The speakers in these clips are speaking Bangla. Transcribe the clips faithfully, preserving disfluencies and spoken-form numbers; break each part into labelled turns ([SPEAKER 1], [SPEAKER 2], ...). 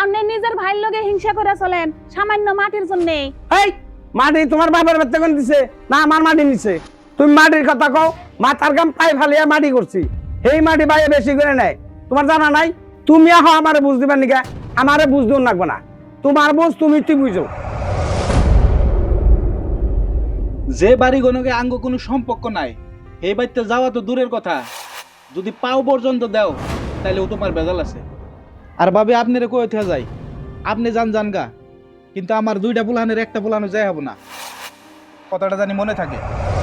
[SPEAKER 1] আপনি নিজের ভাইয়ের লগে হিংসা করে চলেন সামান্য মাটির জন্য।
[SPEAKER 2] এই মাটি তোমার বাবার বাচ্চা কোন দিছে না আমার মাটি নিছে? তুমি মাটির কথা কও, মাথার গাম পাই ফালিয়া মাটি করছি, এই মাটি বাইরে বেশি করে নেয়। তোমার জানা নাই? তুমি আহ আমারে বুঝ দিবার নিকা, আমারে বুঝ দিও লাগবে না। তোমার বুঝ তুমি তুই বুঝো।
[SPEAKER 3] যে বাড়ি গণকে আঙ্গ কোনো সম্পর্ক নাই, এই বাড়িতে যাওয়া তো দূরের কথা, যদি পাও পর্যন্ত দাও তাহলে ও তোমার বেজাল আছে। আর ভাবি আপনারে কই উঠে যাই, আপনি যান যান গা, কিন্তু আমার দুইটা পুলানের একটা পুলানো যাই হবো না, কথাটা জানি মনে থাকে।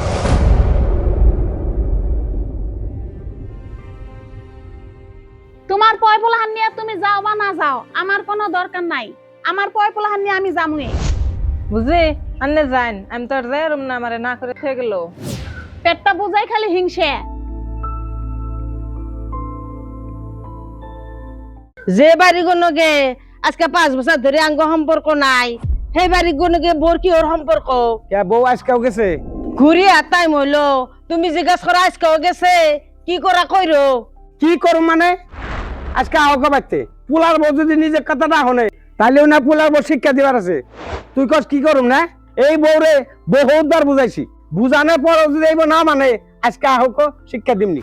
[SPEAKER 1] তোমার পয় পোলাহান নিয়ে তুমি যাও বা না যাও আমার কোনো দরকার নাই, আমার পয় পোলাহান নিয়ে আমি যামুই।
[SPEAKER 4] বুঝি আন্নে যাইন, আমি তো আর যাই রুম না, আমারে না করে থেকে গেল।
[SPEAKER 1] পেটটা বুঝাই খালি হিংসে।
[SPEAKER 4] যে বাড়ি গনকে আজকে পাঁচ বছর ধরে আঙ্গ সম্পর্ক নাই, সেই বাড়ি গনকে বোর কি ওর সম্পর্ক?
[SPEAKER 2] কে বউ আজকেও গেছে?
[SPEAKER 4] ঘুরি আর টাইম হইলো, তুমি জিজ্ঞাসা করা আজকেও গেছে, কি করা কইরো?
[SPEAKER 2] কি করো মানে? আজকে আহকে বাড়তে পোলার বউ যদি নিজের কথা না শোনে তাহলেও না পোলার বউ শিক্ষা দিবার আছে। তুই কস কি করুম না? এই বউরে বহুত বার বুঝাইছি, বুঝানোর পর যদি এই বউ না মানে আজকে আহক শিক্ষা দিমনি।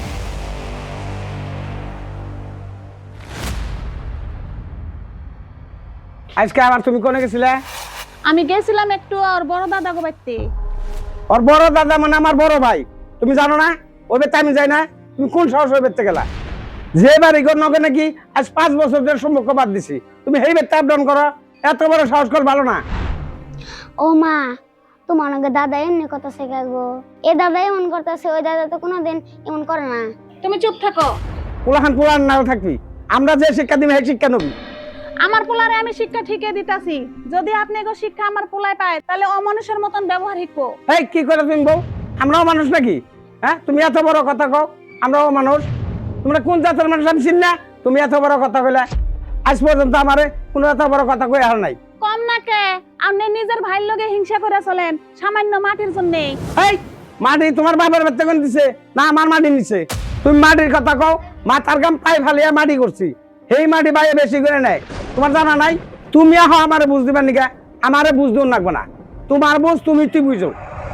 [SPEAKER 2] আজকে আবার তুমি কোনে গেছিলে?
[SPEAKER 1] আমি গেছিলাম একটু আর বড় দাদা গো বাইতে।
[SPEAKER 2] ওর বড় দাদা মানে আমার বড় ভাই, তুমি জানো না? ওই বেতে আমি যাই না? তুমি কোন সাহস ওই বেতে গেলা? যে বাড়ি ঘর নকে নাকি আজ পাঁচ বছর ধরে সম্পর্ক বাদ দিছি, তুমি এই বেতে আপডাউন করো? এত বড় সাহস কর ভালো না।
[SPEAKER 5] ও মা, তোমার নাকি দাদা এমনি কথা শেখাবো? এ দাদা এমন করতেছে, ওই দাদা তো কোনোদিন এমন করে না।
[SPEAKER 1] তুমি চুপ থাকো।
[SPEAKER 2] পোলাহান পোলাহান নাও থাকবি, আমরা যে শিক্ষা দিবি সেই শিক্ষা নবি।
[SPEAKER 1] আমার পোলারে আমি শিক্ষা ঠিকই দিতাছি, যদি আপনি এগো শিক্ষা আমার পোলায় পায় তাহলে অমানুষের মতন ব্যবহার শিখবো।
[SPEAKER 2] এই কি করে তুমি বউ? আমরাও মানুষ নাকি? হ্যাঁ, তুমি এত বড় কথা কও, আমরাও মানুষ। তোমরা কোন জাতের মানুষ আমি চিনি না, তুমি এত বড় কথা কইলা? আজ পর্যন্ত আমারে কোনো এত বড় কথা কই আর নাই।
[SPEAKER 1] কম না কে, আপনি নিজের ভাইয়ের লগে হিংসা করে চলেন সামান্য মাটির জন্য।
[SPEAKER 2] এই মাটি তোমার বাবার বাচ্চা কোন দিছে না আমার মাটি নিছে? তুমি মাটির কথা কও, মাথার গাম পাই ফালিয়া মাটি করছি, এই মাটি বাইরে বেশি করে নেয়। তোমার জানা নাই? তুমি আহ আমারে বুঝ দিবার নিকা, আমারে বুঝ দিও লাগবে না। তোমার বুঝ তুমি তুই বুঝো।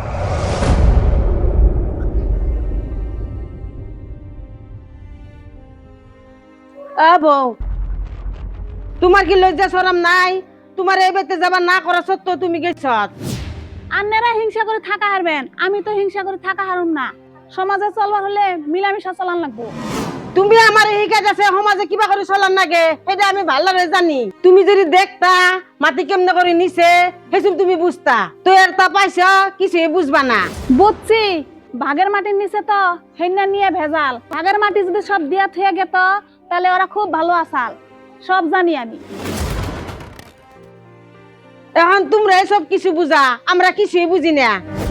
[SPEAKER 4] আ বউ, তোমার কি লজ্জা শরম নাই? তোমার এই বেতে যাবা না করা সত্ত্বেও তুমি গেছ।
[SPEAKER 1] আপনারা হিংসা করে থাকা হারবেন, আমি তো হিংসা করে থাকা হারুম না। সমাজে চলবার হলে মিলামিশা চলান লাগবো।
[SPEAKER 4] তুমি আমার এই কাজ আছে সমাজে কিবা করে চলার নাগে সেটা আমি ভালো করে জানি। তুমি যদি দেখতা মাটি কেমনে করে নিছে সেসব তুমি বুঝতা, তো এর তা পাইছ কিছুই বুঝবা না।
[SPEAKER 1] বুঝছি, ভাগের মাটির নিচে তো হেন্না নিয়ে ভেজাল। ভাগের মাটি যদি সব দিয়া থুয়ে গেত তাহলে ওরা খুব ভালো আসাল, সব জানি আমি।
[SPEAKER 4] এখন তোমরা সব কিছু বুঝা, আমরা কিছুই বুঝি না।